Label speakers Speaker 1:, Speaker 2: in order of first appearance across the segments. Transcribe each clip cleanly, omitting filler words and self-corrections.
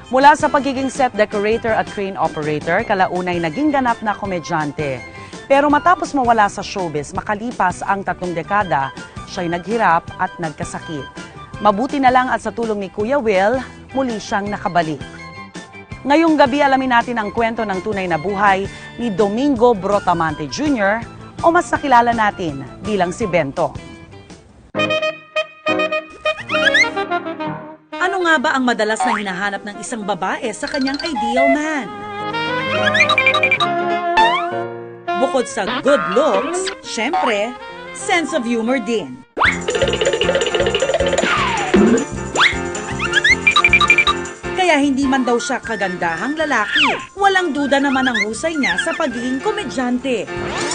Speaker 1: Mula sa pagiging set decorator at crane operator, kalaunay naging ganap na komedyante. Pero matapos mawala sa showbiz, makalipas ang 3 dekada, siya'y naghirap at nagkasakit. Mabuti na lang at sa tulong ni Kuya Will, muli siyang nakabalik. Ngayong gabi alamin natin ang kwento ng tunay na buhay ni Domingo Brotamante Jr. o mas nakilala natin bilang si Bento. Ano nga ba ang madalas na hinahanap ng isang babae sa kanyang ideal man? Bukod sa good looks, syempre, sense of humor din. Kaya hindi man daw siya kagandahang lalaki, walang duda naman ang husay niya sa pagiging komedyante.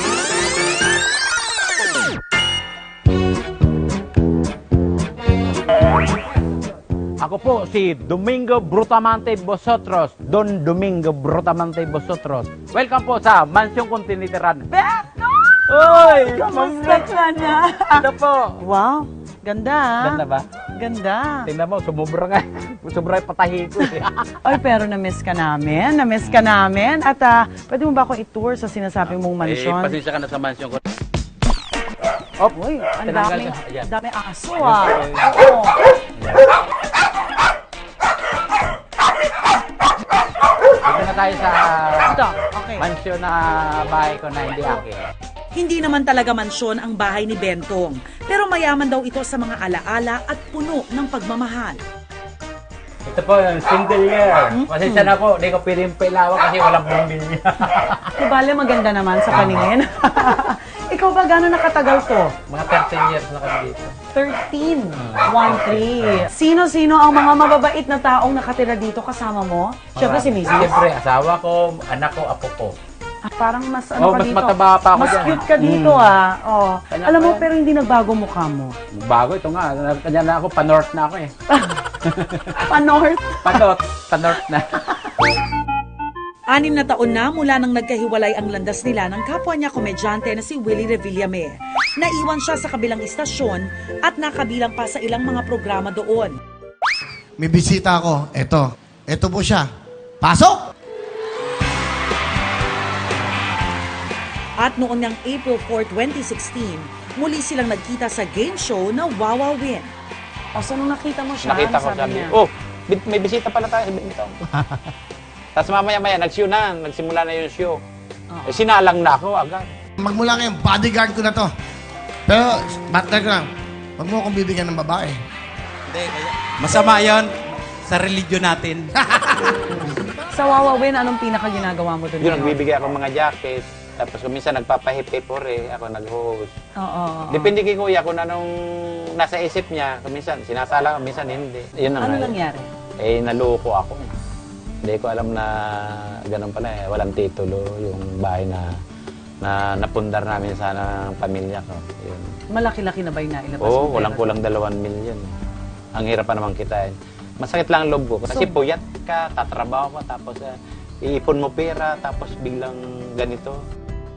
Speaker 2: Ako po si Domingo Brotamante Vosotros, Don Domingo Brotamante Vosotros. Welcome po sa Mansyon Kontiniteran.
Speaker 1: Bento!
Speaker 2: Oy!
Speaker 1: Kamusta ka na?
Speaker 2: Ano po?
Speaker 1: Wow, ganda.
Speaker 2: Ganda ba?
Speaker 1: Ganda.
Speaker 2: Tingnan mo, sumubra nga. Sumubra yung patahi ko.
Speaker 1: Ay, pero na-miss ka namin. Na-miss ka namin. At pwede mo ba ako i-tour sa sinasabi mong mansyon?
Speaker 2: Pasensya ka na sa mansyon ko.
Speaker 1: Uy, ang
Speaker 2: tinanggal
Speaker 1: daming,
Speaker 2: siya. Ayan.
Speaker 1: daming aso Oo.
Speaker 2: Dito na tayo sa
Speaker 1: Ito, okay.
Speaker 2: mansyon na bahay ko na hindi akin.
Speaker 1: Hindi naman talaga mansyon ang bahay ni Bentong. Pero mayaman daw ito sa mga alaala at puno ng pagmamahal.
Speaker 2: Ito po, single year. Pasensya na po, hindi ko pwedeng pailawan kasi walang bumili.
Speaker 1: Bale, maganda naman sa paningin. Ikaw ba gano'n nakatagal to?
Speaker 2: Mga 13 years na kami dito.
Speaker 1: 13. 1-3. Sino-sino ang mga mababait na taong nakatira dito kasama mo? Siyempre si Mrs.
Speaker 2: Siyempre, asawa ko, anak ko, apo ko.
Speaker 1: Parang mas ano ka
Speaker 2: mas
Speaker 1: dito.
Speaker 2: mataba pa ako
Speaker 1: mas
Speaker 2: dyan.
Speaker 1: cute ka dito Oh.
Speaker 2: Kanya
Speaker 1: Alam mo,
Speaker 2: pa yan.
Speaker 1: pero hindi nagbago mukha mo.
Speaker 2: Bago ito nga, kanya na ako, pa-north na ako eh.
Speaker 1: Pa-north.
Speaker 2: Pa-north na.
Speaker 1: 6 na taon na mula nang nagkahiwalay ang landas nila ng kapwa niya komedyante na si Willie Revillame. Naiwan siya sa kabilang istasyon at nakabilang pa sa ilang mga programa doon.
Speaker 3: May bisita ako. Ito po siya. Pasok!
Speaker 1: At noon ngang April 4, 2016, muli silang nagkita sa game show na Wawa Win. O, so nung nakita mo siya,
Speaker 2: Nakita ko sabi, may bisita pala tayo. Tapos mamaya-maya, nagsimula na yung show. Eh, sinalang na ako agad.
Speaker 3: Magmula ngayon, bodyguard ko na to. Pero, partner ko lang, huwag mo akong bibigyan ng babae.
Speaker 4: Hindi, masama yon sa religion natin.
Speaker 1: Sa Wawa Win, anong pinaka ginagawa mo doon?
Speaker 2: Yun, nagbibigay ako mga jacket. Tapos kung minsan nagpapahip-hip ako nag-host.
Speaker 1: Oo.
Speaker 2: Depende kay kuya kung anong nasa isip niya. Kung minsan sinasala, kung minsan hindi. Yun ang
Speaker 1: Ano nangyari?
Speaker 2: Eh, naloko ako. Hindi ko alam na ganun pala eh. Walang titulo yung bahay na napundar namin sana ng pamilya ko. Yun.
Speaker 1: Malaki-laki na ba yung nailabas
Speaker 2: Oo,
Speaker 1: mo?
Speaker 2: walang 2 milyon. Ang hirap pa naman kitain. Masakit lang ang loob ko. Kasi puyat ka, tatrabaho ka, tapos iipon mo pera, tapos biglang ganito.